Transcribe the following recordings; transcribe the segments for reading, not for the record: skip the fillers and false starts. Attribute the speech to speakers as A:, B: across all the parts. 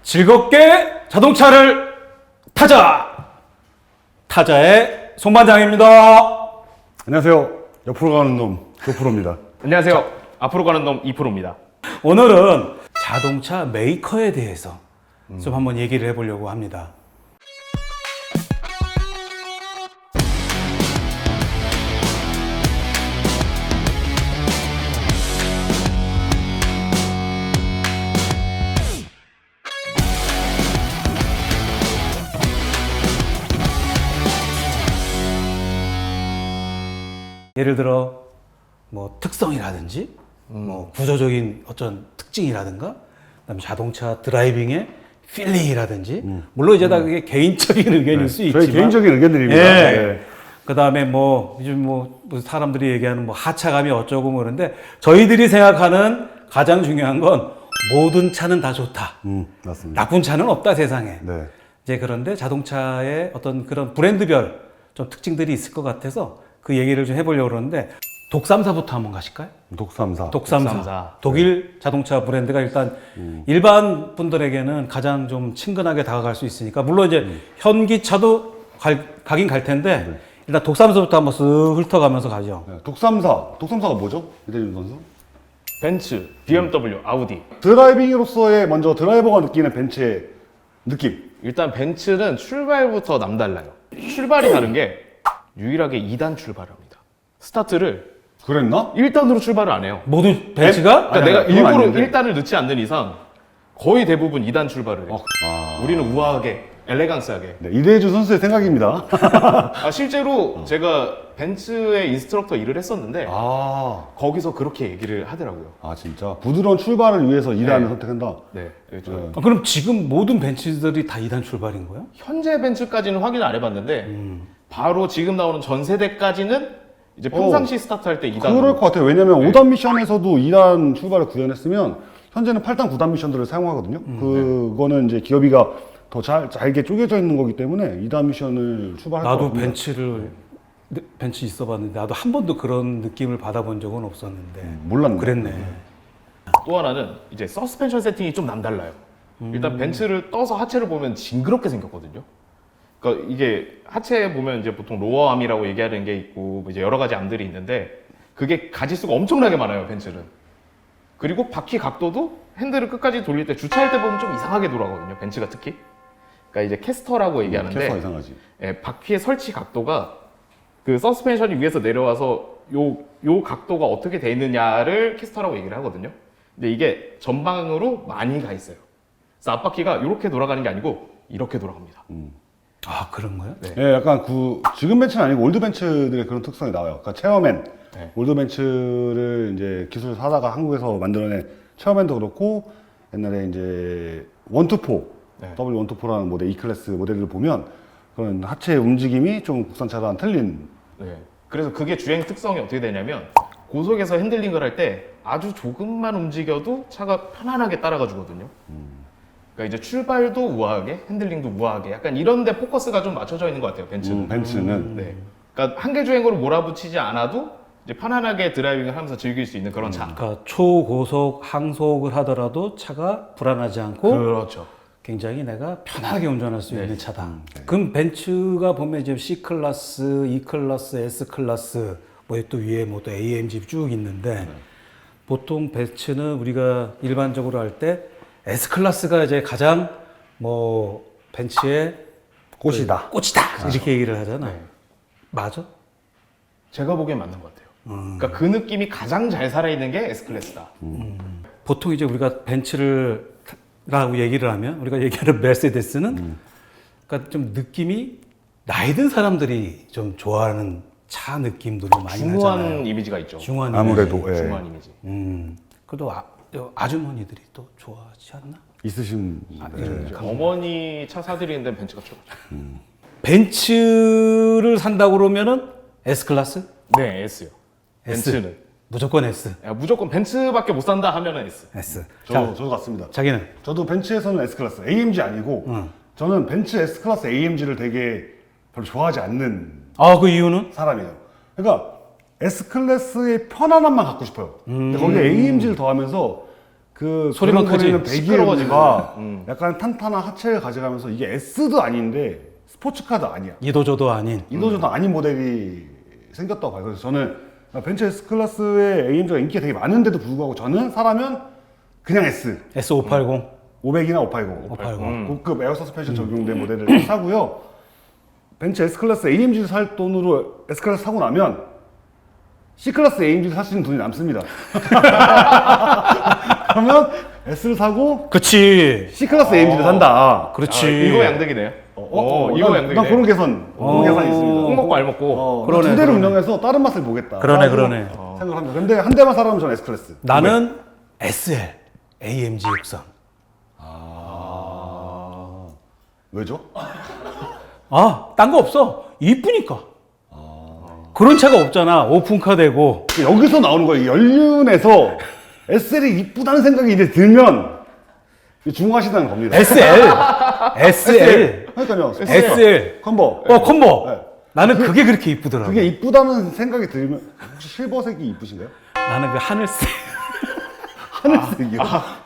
A: 즐겁게 자동차를 타자의 송반장입니다.
B: 안녕하세요. 옆으로 가는 놈 조프로입니다.
C: 안녕하세요. 앞으로 가는 놈 2%입니다.
A: 오늘은 자동차 메이커에 대해서 좀 한번 얘기를 해보려고 합니다. 예를 들어 뭐 특성이라든지 뭐 구조적인 어떤 특징이라든가 그다음에 자동차 드라이빙의 필링이라든지 물론 이제 다 그게 개인적인 의견일 수 있지만
B: 저희 개인적인 의견들입니다.
A: 예.
B: 네.
A: 그다음에 뭐 요즘 뭐 사람들이 얘기하는 뭐 하차감이 어쩌고 뭐 그런데 저희들이 생각하는 가장 중요한 건 모든 차는 다 좋다.
B: 맞습니다.
A: 나쁜 차는 없다 세상에.
B: 네.
A: 이제 그런데 자동차의 어떤 그런 브랜드별 좀 특징들이 있을 것 같아서 그 얘기를 좀 해보려고 그러는데 독삼사부터 한번 가실까요?
B: 독삼사.
C: 독삼사.
A: 독일 자동차 브랜드가 일단 일반 분들에게는 가장 좀 친근하게 다가갈 수 있으니까 물론 이제 현기차도 가긴 갈 텐데 일단 독삼사부터 한번 쓱 훑어가면서 가죠.
B: 네. 독삼사가 뭐죠? 이대준 선수?
C: 벤츠, BMW, 아우디.
B: 드라이빙으로서의 먼저 드라이버가 느끼는 벤츠의 느낌.
C: 일단 벤츠는 출발부터 남달라요. 출발이 다른 게 유일하게 2단 출발을 합니다. 스타트를
B: 그랬나?
C: 1단으로 출발을 안 해요.
A: 모든 벤츠가?
C: 그러니까
B: 아니,
C: 내가
B: 그건
C: 일부러
B: 아닌데.
C: 1단을 넣지 않는 이상 거의 대부분 2단 출발을 해요. 우리는 우아하게, 엘레강스하게.
B: 네, 이대준 선수의 생각입니다.
C: 실제로 제가 벤츠의 인스트럭터 일을 했었는데 거기서 그렇게 얘기를 하더라고요.
B: 진짜 부드러운 출발을 위해서 2단을
C: 네.
B: 선택한다.
C: 네. 좀
A: 그럼 지금 모든 벤츠들이 다 2단 출발인 거예요?
C: 현재 벤츠까지는 확인을 안 해봤는데 바로 지금 나오는 전 세대까지는 이제 평상시 스타트할 때 2단.
B: 그럴 것 같아요. 왜냐면 5단 미션에서도 2단 출발을 구현했으면 현재는 8단, 9단 미션들을 사용하거든요. 그거는 이제 기어비가 더 잘게 쪼개져 있는 거기 때문에 2단 미션을 출발할 것
A: 나도
B: 같습니다.
A: 벤츠 있어봤는데 나도 한 번도 그런 느낌을 받아본 적은 없었는데
B: 몰랐네.
A: 그랬네.
C: 또 하나는 이제 서스펜션 세팅이 좀 남달라요. 일단 벤츠를 떠서 하체를 보면 징그럽게 생겼거든요. 그러니까 이게 하체에 보면 이제 보통 로어암이라고 얘기하는 게 있고 이제 여러 가지 암들이 있는데 그게 가지수가 엄청나게 많아요, 벤츠는. 그리고 바퀴 각도도 핸들을 끝까지 돌릴 때 주차할 때 보면 좀 이상하게 돌아가거든요, 벤츠가 특히. 그러니까 이제 캐스터라고 얘기하는데
B: 캐스터가 이상하지.
C: 예, 바퀴의 설치 각도가 그 서스펜션이 위에서 내려와서 요 각도가 어떻게 돼 있느냐를 캐스터라고 얘기를 하거든요. 근데 이게 전방으로 많이 가 있어요. 그래서 앞바퀴가 이렇게 돌아가는 게 아니고 이렇게 돌아갑니다.
A: 아 그런 거야?
C: 네.
B: 예, 약간 지금 벤츠는 아니고 올드 벤츠들의 그런 특성이 나와요. 그러니까 체어맨,
C: 네.
B: 올드 벤츠를 이제 기술을 사다가 한국에서 만들어낸 체어맨도 그렇고 옛날에 이제 124,
C: 네.
B: W124라는 모델 E클래스 모델을 보면 그런 하체 움직임이 좀 국산차랑 틀린.
C: 네. 그래서 그게 주행 특성이 어떻게 되냐면 고속에서 핸들링을 할 때 아주 조금만 움직여도 차가 편안하게 따라가 주거든요. 그러니까 이제 출발도 우아하게, 핸들링도 우아하게 약간 이런 데 포커스가 좀 맞춰져 있는 것 같아요, 벤츠는.
B: 벤츠는
C: 네. 그러니까 한계 주행으로 몰아붙이지 않아도 이제 편안하게 드라이빙을 하면서 즐길 수 있는 그런 차.
A: 그러니까 초고속 항속을 하더라도 차가 불안하지 않고
C: 그렇죠.
A: 굉장히 내가 편하게 운전할 수 있는 차다.
B: 네.
A: 그럼 벤츠가 보면 이제 C 클래스, E 클래스, S 클래스 뭐 또 위에 뭐 또 AMG 쭉 있는데 보통 벤츠는 우리가 일반적으로 할 때 S 클래스가 이제 가장 뭐 벤츠의
B: 꽃이다.
A: 꽃이다 이렇게 얘기를 하잖아. 맞아?
C: 제가 보기엔 맞는 것 같아요. 그러니까 그 느낌이 가장 잘 살아있는 게 S클래스다.
A: 보통 이제 우리가 벤츠라고 얘기를 하면 우리가 얘기하는 메르세데스는 그러니까 좀 느낌이 나이 든 사람들이 좀 좋아하는 차 느낌도 좀 많이
C: 중후한
A: 나잖아요.
C: 이미지가 있죠.
A: 중후한
B: 아무래도
A: 이미지.
B: 예.
C: 중후한 이미지.
A: 그래도 아주머니들이 또 좋아하지 않나?
B: 있으신.
C: 이제 어머니 차 사드리는 데는 벤츠가 최고죠.
A: 벤츠를 산다고 그러면은 S 클래스?
C: 네, S요.
A: S.
C: 벤츠는.
A: 무조건 S.
C: 야, 무조건 벤츠밖에 못 산다 하면은 S.
A: S.
B: 저도 같습니다.
A: 자기는
B: 저도 벤츠에서는 S 클래스, AMG 아니고 저는 벤츠 S 클래스 AMG를 되게 별로 좋아하지 않는
A: 그 이유는?
B: 사람이에요. 그러니까 S 클래스의 편안함만 갖고 싶어요. 근데 거기에 AMG를 더하면서 그
A: 소리만
B: 거리는
A: 크지.
B: 배기음과 약간 탄탄한 하체를 가져가면서 이게 S도 아닌데 스포츠카도 아니야.
A: 이도저도 아닌.
B: 이도저도 아닌 모델이 생겼다고 봐요. 그래서 저는 벤츠 S 클래스의 AMG가 인기가 되게 많은데도 불구하고 저는 사라면 그냥 S
A: S580.
B: 500이나 580,
A: 580.
B: 고급 에어 서스펜션 적용된 모델을 사고요. 벤츠 S 클래스 AMG를 살 돈으로 S 클래스 사고 나면 C 클래스 AMG를 살 수 있는 돈이 남습니다. 그러면 S를 사고
A: 그치.
B: C 클래스 AMG를 산다.
A: 그렇지.
C: 아, 이거 양득이네요. 이거 양득이네.
B: 난 그런 계산이 있습니다.
C: 꼭 먹고 알 먹고.
A: 그러네,
B: 두 대를
A: 그러네.
B: 운영해서 다른 맛을 보겠다.
A: 그러네,
B: 라고
A: 그러네.
B: 생각합니다. 근데 한 대만 사라면 저는 S 클래스.
A: 나는 SL. AMG 63.
B: 왜죠?
A: 딴 거 없어. 이쁘니까. 그런 차가 없잖아. 오픈카 되고.
B: 여기서 나오는 거예요. 연륜에서 SL이 이쁘다는 생각이 이제 들면 중화시다는 겁니다.
A: SL.
B: 그러니까요.
A: SL.
B: 컴버.
A: 컴보.
B: 네.
A: 나는 그게 그렇게 이쁘더라고.
B: 그게 이쁘다는 생각이 들면 혹시 실버색이 이쁘신가요?
A: 나는 그 하늘색.
B: 하늘색이요.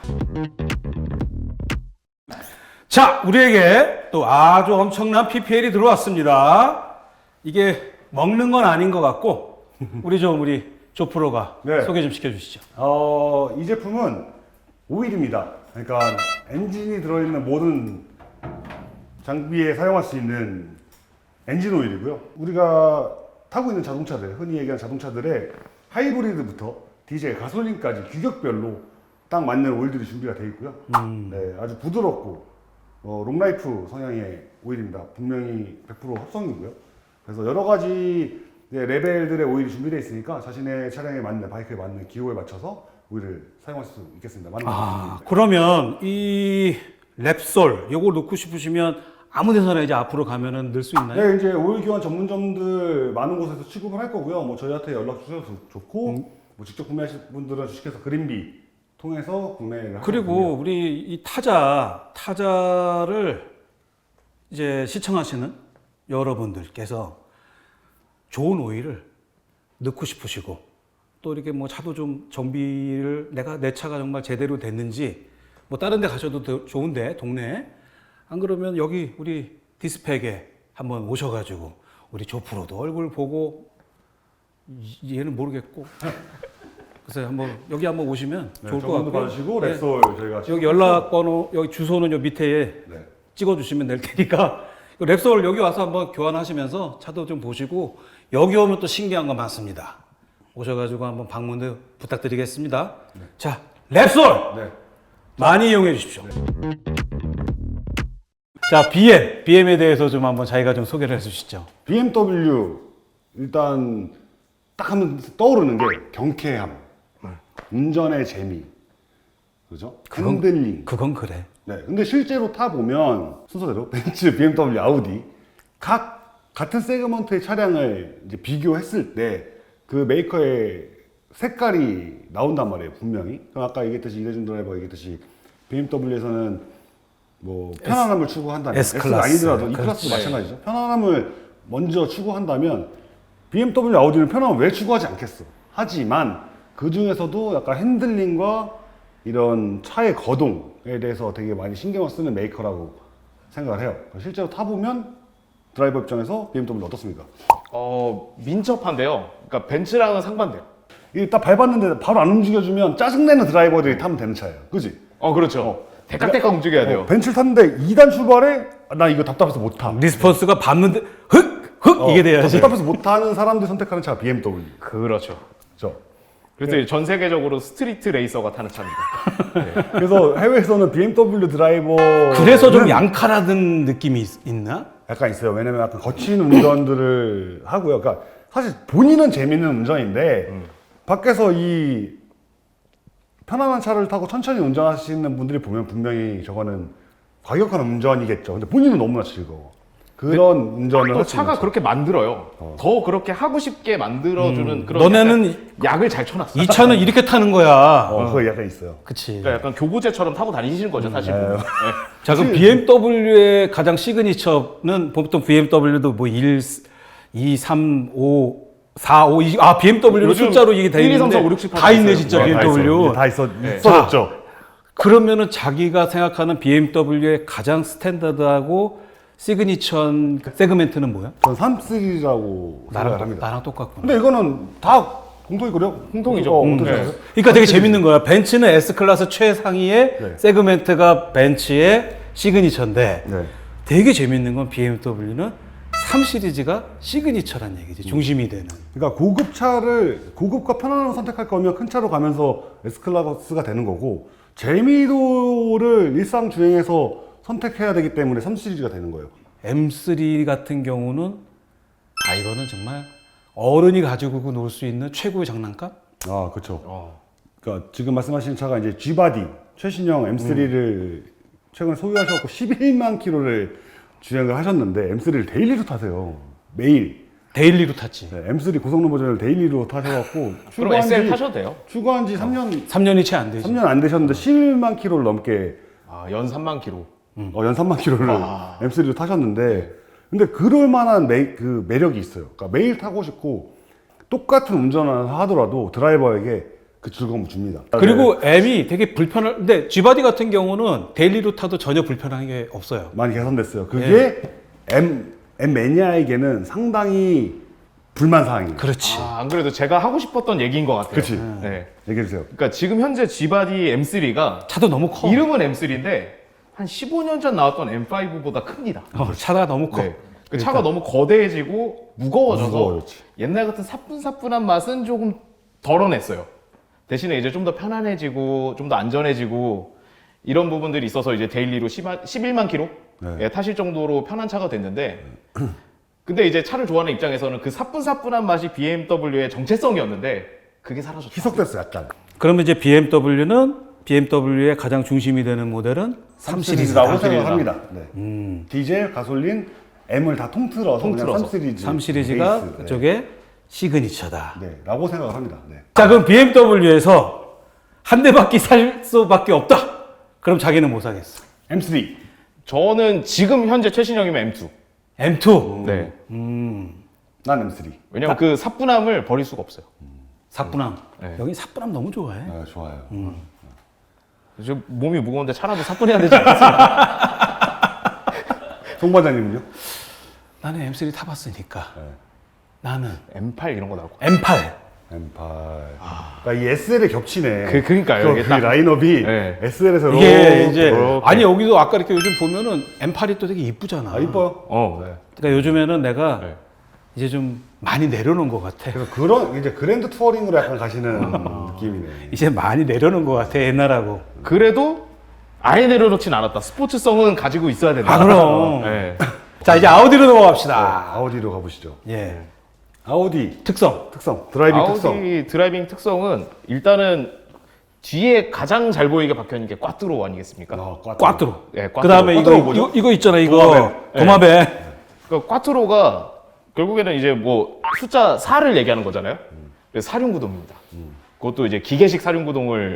A: 자, 우리에게 또 아주 엄청난 PPL이 들어왔습니다. 이게 먹는 건 아닌 것 같고, 우리 조프로가
B: 네.
A: 소개 좀 시켜주시죠.
B: 이 제품은 오일입니다. 그러니까 엔진이 들어있는 모든 장비에 사용할 수 있는 엔진 오일이고요. 우리가 타고 있는 자동차들, 흔히 얘기하는 자동차들의 하이브리드부터 디젤, 가솔린까지 규격별로 딱 맞는 오일들이 준비가 되어 있고요. 네, 아주 부드럽고 롱라이프 성향의 오일입니다. 분명히 100% 합성이고요. 그래서 여러 가지 레벨들의 오일이 준비되어 있으니까 자신의 차량에 맞는, 바이크에 맞는 기호에 맞춰서 오일을 사용할 수 있겠습니다.
A: 그러면 이 랩솔, 요거 넣고 싶으시면 아무 데서나 이제 앞으로 가면은 넣을 수 있나요?
B: 네, 이제 오일 교환 전문점들 많은 곳에서 취급을 할 거고요. 뭐 저희한테 연락 주셔도 좋고, 뭐 직접 구매하실 분들은 주식회사 그린비 통해서 구매를
A: 그리고 우리 이 타자를 이제 시청하시는 여러분들께서 좋은 오일을 넣고 싶으시고 또 이렇게 뭐 차도 좀 정비를 내 차가 정말 제대로 됐는지 뭐 다른 데 가셔도 좋은데 동네에 안 그러면 여기 우리 디스펙에 한번 오셔가지고 우리 조프로도 얼굴 보고 얘는 모르겠고 그래서 여기 한번 오시면 좋을 것 같고요.
B: 받으시고
A: 네.
B: 랩솔 저희가
A: 여기 연락번호 여기 주소는 요 밑에
B: 네.
A: 찍어주시면 될 테니까 랩솔 여기 와서 한번 교환하시면서 차도 좀 보시고 여기 오면 또 신기한 거 많습니다. 오셔가지고 한번 방문도 부탁드리겠습니다. 자, 랩솔
B: 네.
A: 많이 이용해 주십시오. 자, BM에 대해서 좀 한번 자기가 좀 소개를 해주시죠.
B: BMW 일단 딱 하면 떠오르는 게 경쾌함, 운전의 재미, 그죠? 핸들링.
A: 그건 그래.
B: 네, 근데 실제로 타 보면 순서대로 벤츠, BMW, 아우디 같은 세그먼트의 차량을 이제 비교했을 때 그 메이커의 색깔이 나온단 말이에요, 분명히. 그럼 아까 얘기했듯이 이대준 드라이버가 얘기했듯이 BMW에서는 뭐 편안함을 추구한다면
A: S클래스.
B: 아니더라도 E 클래스도 마찬가지죠. 편안함을 먼저 추구한다면 BMW, 아우디는 편안함을 왜 추구하지 않겠어? 하지만 그 중에서도 약간 핸들링과 이런 차의 거동에 대해서 되게 많이 신경을 쓰는 메이커라고 생각을 해요. 실제로 타보면 드라이버 입장에서 BMW 어떻습니까?
C: 민첩한데요. 그러니까 벤츠랑은 상반돼요.
B: 이게 딱 밟았는데 바로 안 움직여주면 짜증내는 드라이버들이 타면 되는 차예요. 그지?
C: 그렇죠. 대깍대깍 움직여야 돼요.
B: 벤츠를 탔는데 2단 출발에 나 이거 답답해서 못 타.
A: 리스폰스가 밟는데 흑 이게 돼야지.
B: 답답해서 못 타는 사람들이 선택하는 차가 BMW.
C: 그렇죠.
B: 그렇죠?
C: 그래서 전 세계적으로 스트리트 레이서가 타는 차입니다.
B: 그래서 해외에서는 BMW 드라이버
A: 그래서 좀 양칼하던 느낌이 있나?
B: 약간 있어요. 왜냐면 약간 거친 운전들을 하고요. 그러니까 사실 본인은 재밌는 운전인데 밖에서 이 편안한 차를 타고 천천히 운전하시는 분들이 보면 분명히 저거는 과격한 운전이겠죠. 근데 본인은 너무나 즐거워. 그런 운전을
C: 또
B: 할 수 있는
C: 차가
B: 차.
C: 그렇게 만들어요. 더 그렇게 하고 싶게 만들어주는 그런
A: 너네는
C: 약간 약을 잘 쳐놨어.
A: 이 차는 이렇게 타는 거야.
B: 그거 약간 있어요.
A: 그치.
C: 그러니까 약간 교부제처럼 타고 다니시는 거죠, 사실. 보면. 네.
A: 자, 그럼 BMW의 가장 시그니처는 보통 BMW도 뭐 1, 2, 3, 5, 4, 5, 2, BMW로
C: 요즘
A: 숫자로 이게 다
C: 1, 2, 3,
A: 있는데
C: 4, 5, 6, 7, 8
A: 다 있네,
C: 있어요.
B: 다
A: 진짜 BMW.
B: 다
A: 자,
B: 있어졌죠.
A: 그러면은 자기가 생각하는 BMW의 가장 스탠다드하고 시그니처한 그 세그멘트는 뭐야?
B: 전 3 시리즈라고 생각합니다.
A: 나랑 똑같구나.
B: 근데 이거는 다 공통이거든요.
C: 공통이죠.
B: 어떻게
C: 네.
B: 생각하세요?
A: 그러니까 되게 재밌는 거야. 벤츠는 S클래스 최상위의
B: 네.
A: 세그멘트가 벤츠의 시그니처인데
B: 네.
A: 되게 재밌는 건 BMW는 3 시리즈가 시그니처란 얘기지. 중심이 되는.
B: 그러니까 고급과 편안함을 선택할 거면 큰 차로 가면서 S클래스가 되는 거고, 재미도를 일상 주행에서 선택해야 되기 때문에 3 시리즈가 되는 거예요.
A: M3 같은 경우는 이거는 정말 어른이 가지고 놀 수 있는 최고의 장난감?
B: 아, 그렇죠. 그러니까 지금 말씀하신 차가 이제 G바디 최신형 M3를 최근에 소유하셔서 11만 킬로를 주행을 하셨는데 M3를 데일리로 타세요. 매일.
A: 데일리로 탔지.
B: 네, M3 고성능 버전을 데일리로 타셔갖고
C: 그럼 SL 타셔도 돼요?
B: 추가한 지 3년
A: 3년이 채 안 되지.
B: 3년 안 되셨는데 11만 킬로를 넘게
C: 연 3만 킬로.
B: 연 3만 킬로를 M3로 타셨는데, 근데 그럴 만한 그 매력이 있어요. 그러니까 매일 타고 싶고 똑같은 운전을 하더라도 드라이버에게 그 즐거움을 줍니다.
A: 그리고 M이 되게 근데 G바디 같은 경우는 데일리로 타도 전혀 불편한 게 없어요.
B: 많이 개선됐어요. 그게 M 매니아에게는 상당히 불만 사항이에요.
A: 그렇지.
C: 안 그래도 제가 하고 싶었던 얘기인 것 같아요.
B: 그치.
C: 네.
B: 얘기해 주세요.
C: 그러니까 지금 현재 G바디 M3가
A: 차도 너무 커.
C: 이름은 M3인데 한 15년 전 나왔던 M5보다 큽니다.
A: 차가 너무 커.
C: 네. 그 차가 너무 거대해지고 무거워져서
B: 무거워졌지.
C: 옛날 같은 사뿐사뿐한 맛은 조금 덜어냈어요. 대신에 이제 좀 더 편안해지고 좀 더 안전해지고 이런 부분들이 있어서 이제 데일리로 11만 킬로
B: 네.
C: 타실 정도로 편한 차가 됐는데, 근데 이제 차를 좋아하는 입장에서는 그 사뿐사뿐한 맛이 BMW의 정체성이었는데 그게 사라졌다.
B: 희석됐어요, 약간.
A: 그러면 이제 BMW의 가장 중심이 되는 모델은 3
B: 시리즈라고
A: 시리즈다.
B: 생각합니다. 네. 디젤, 가솔린, M을 다 통틀어서 그냥 3 시리즈.
A: 3 시리즈가
B: 베이스.
A: 그쪽에 시그니처다.
B: 네. 라고 생각을 합니다. 네.
A: 자, 그럼 BMW에서 한 대밖에 살 수밖에 없다. 그럼 자기는 못 사겠어.
B: M3.
C: 저는 지금 현재 최신형이면 M2.
A: M2.
C: 네.
B: 난 M3.
C: 왜냐면 그 사뿐함을 버릴 수가 없어요.
A: 사뿐함.
C: 네.
A: 여기 사뿐함 너무 좋아해.
B: 아, 좋아요.
C: 지금 몸이 무거운데 차라도 사뿐해야 되지 않겠어요?
B: 송 반장님은요?
A: 나는 M3 타봤으니까.
B: 네.
A: 나는
C: M8 이런 거 나올 거.
A: M8.
B: M8. 그러니까 이 SL에 겹치네.
C: 그러니까요. 이게
B: 그
C: 딱-
B: 라인업이
C: 네.
B: SL에서
A: 이게 이제
C: 이렇게.
A: 아니 여기도 아까 이렇게 요즘 보면은 M8이 또 되게 이쁘잖아.
B: 이뻐요.
C: 네.
A: 그러니까 요즘에는 내가
C: 네.
A: 이제 좀 많이 내려놓은 것 같아.
B: 그래서 그런 이제 그랜드 투어링으로 약간 가시는 느낌이네.
A: 이제 많이 내려놓은 것 같아 옛날하고.
C: 그래도 아예 내려놓진 않았다. 스포츠성은 가지고 있어야 된다.
A: 그럼.
C: 네.
A: 자 이제 아우디로 넘어갑시다.
B: 아우디로 가보시죠.
A: 예.
B: 아우디
A: 특성.
B: 드라이빙
C: 아우디
B: 특성.
C: 드라이빙 특성은 일단은 뒤에 가장 잘 보이게 박혀있는 게 꽈뚜로 아니겠습니까?
A: 꽈뚜로.
C: 네, 꽈뚜로.
A: 그 다음에
B: 꽈뚜로 뭐죠?
A: 이거 있잖아 이거
B: 도마뱀.
A: 도마뱀.
C: 그러니까 꽈뚜로가 결국에는 이제 뭐 숫자 4를 얘기하는 거잖아요. 그래서 사륜구동입니다. 그것도 이제 기계식 사륜구동을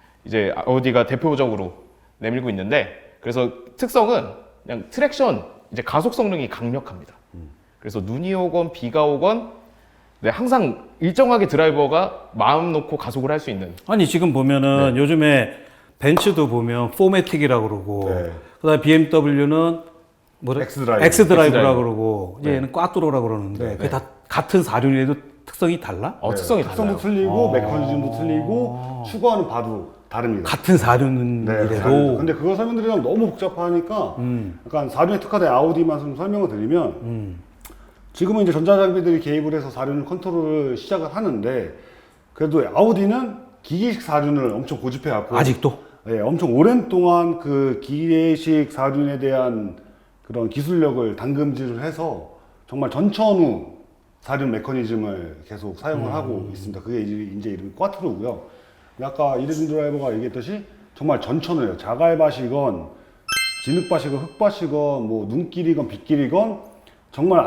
C: 이제 아우디가 대표적으로 내밀고 있는데, 그래서 특성은 그냥 트랙션, 이제 가속 성능이 강력합니다. 그래서 눈이 오건 비가 오건 네, 항상 일정하게 드라이버가 마음 놓고 가속을 할 수 있는.
A: 아니 지금 보면은 요즘에 벤츠도 보면 포매틱이라고 그러고
B: 네.
A: 그다음에 BMW는
B: 엑스드라이브.
A: 엑스드라이브라고 그러고 이제
C: 네.
A: 얘는 꽈뚜로라고 그러는데 그게 다 같은 사륜이라도 특성이 달라?
C: 특성이
B: 특성도
C: 달라요.
B: 틀리고 메커니즘도 틀리고 추구하는 바도 다릅니다.
A: 같은 사륜이라도
B: 다릅니다. 근데 그거 설명드리면 너무 복잡하니까 약간 사륜에 특화된 아우디만 좀 설명을 드리면 지금은 이제 전자장비들이 개입을 해서 사륜 컨트롤을 시작을 하는데, 그래도 아우디는 기계식 사륜을 엄청 고집해갖고
A: 아직도?
B: 예, 엄청 오랜 동안 그 기계식 사륜에 대한 그런 기술력을 담금질을 해서 정말 전천후 사륜 메커니즘을 계속 사용을 하고 있습니다. 그게 이제 이름이 꽈트로고요. 아까 이레준 드라이버가 얘기했듯이 정말 전천후예요. 자갈밭이건 진흙밭이건 흙밭이건 뭐 눈길이건 빗길이건 정말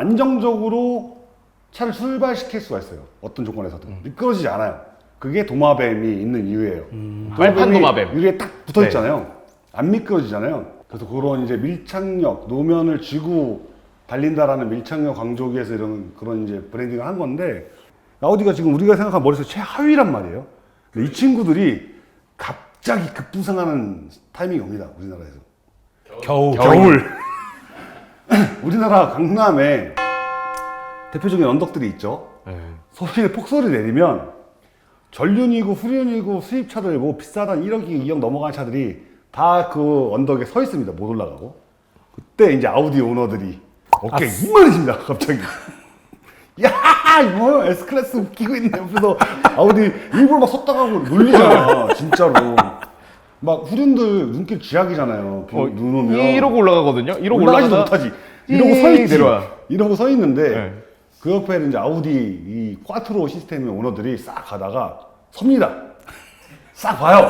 B: 안정적으로 차를 출발시킬 수가 있어요. 어떤 조건에서든 미끄러지지 않아요. 그게 도마뱀이 있는 이유예요.
C: 빨판 도마뱀.
B: 유리에 딱 붙어 있잖아요. 안 미끄러지잖아요. 그래서 그런 이제 밀착력, 노면을 쥐고 달린다라는 밀착력 강조하기 위해서 그런 이제 브랜딩을 한 건데, 아우디가 지금 우리가 생각한 머릿속 최하위란 말이에요. 근데 이 친구들이 갑자기 급부상하는 타이밍이 옵니다. 우리나라에서.
A: 겨울.
B: 우리나라 강남에 대표적인 언덕들이 있죠.
C: 네.
B: 서울에 폭소리 내리면 전륜이고 후륜이고 수입차들 뭐 비싸단 1억이 2억 넘어가는 차들이 다 그 언덕에 서 있습니다. 못 올라가고. 그때 이제 아우디 오너들이 어깨 이만해집니다. 갑자기. 야 이거 S클래스 웃기고 있네. 옆에서 아우디 일부러 막 섰다가 놀리잖아. 진짜로. 막 후륜들 눈길 쥐약이잖아요. 눈 오면.
C: 이러고 올라가거든요. 이러고
B: 올라가지도
C: 올라가다
B: 못하지. 이러고 서 있지.
C: 내려와.
B: 이러고 서 있는데
C: 네.
B: 그 옆에는 이제 아우디 이 꽈트로 시스템의 오너들이 싹 가다가 섭니다. 싹 봐요.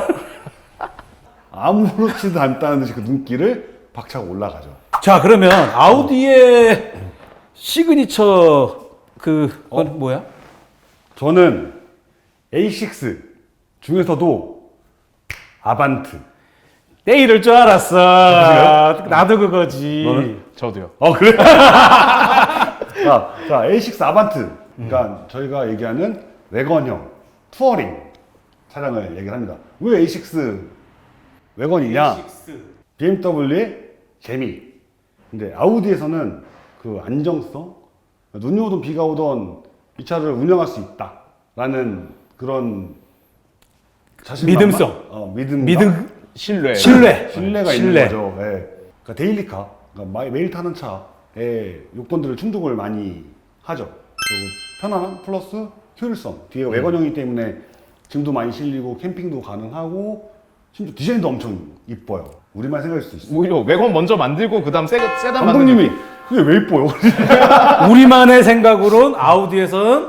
B: 아무렇지도 않다는 듯이 그 눈길을 박차고 올라가죠.
A: 자, 그러면 아우디의 시그니처 뭐야?
B: 저는 A6 중에서도 아반트.
A: 내 이럴 줄 알았어. 나도 그거지.
B: 너는?
C: 저도요.
B: 그래? 자, A6 아반트. 그러니까 저희가 얘기하는 외건형 투어링 차량을 얘기를 합니다. 왜 A6 외건이냐? BMW의 재미. 근데 아우디에서는 그 안정성, 눈이 오든 비가 오든 이 차를 운영할 수 있다라는 그런 자신감과,
A: 믿음성.
B: 믿음, 신뢰가 있는 거죠. 예. 그러니까 데일리카, 그러니까 매일 타는 차의 요건들을 충족을 많이 하죠. 그리고 편안함 플러스 효율성. 뒤에 외건형이기 때문에 짐도 많이 실리고 캠핑도 가능하고 심지어 디자인도 엄청 이뻐요. 우리만 생각할 수도 있어요.
C: 오히려 외관 먼저 만들고 그다음 세단 만드는
B: 감독님이 그게 왜 이뻐요?
A: 우리만의 생각으로는 아우디에서는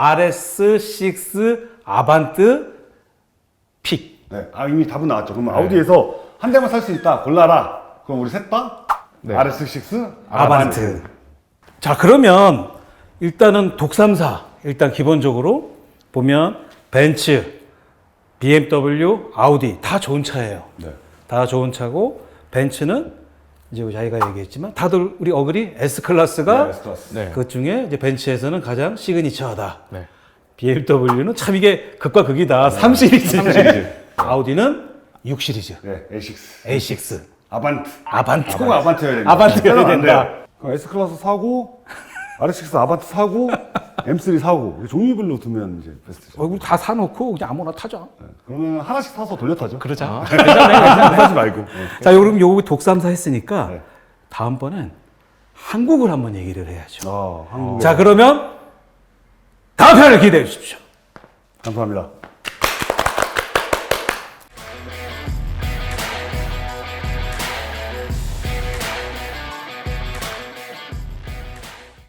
A: RS6 아반트 픽.
B: 네, 이미 답은 나왔죠. 그러면 아우디에서 한 대만 살 수 있다. 골라라. 그럼 우리 셋 다
C: 네.
B: RS6
A: 아반트. 자, 그러면 일단은 독삼사 일단 기본적으로 보면 벤츠, BMW, 아우디 다 좋은 차예요.
B: 네.
A: 다 좋은 차고 벤츠는 이제 자기가 얘기했지만 다들 우리 어글이 S클래스가
B: S클래스.
C: 네.
A: 그 중에 이제 벤츠에서는 가장 시그니처하다.
C: 네.
A: BMW는 참 이게 극과 극이다. 3 시리즈. 아우디는 6 시리즈.
B: 네, A6.
A: A6.
B: 아반트.
A: 아반트.
B: 꼭 아반트여야 됩니다.
A: 아반트여야 된다.
B: 그럼 S클래스 사고, RS6 아반트 사고, M3 사고. 종류별로 두면 이제 베스트죠.
A: 우리 다 사놓고 그냥 아무나 타자.
B: 네. 그러면 하나씩 사서 돌려 타죠.
A: 그러자.
B: 하지 말고.
A: 자, 그럼 요거 독삼사 했으니까
B: 네.
A: 다음번엔 한국을 한번 얘기를 해야죠.
B: 한국에.
A: 자, 그러면 다음 편을 기대해 주십시오.
B: 감사합니다.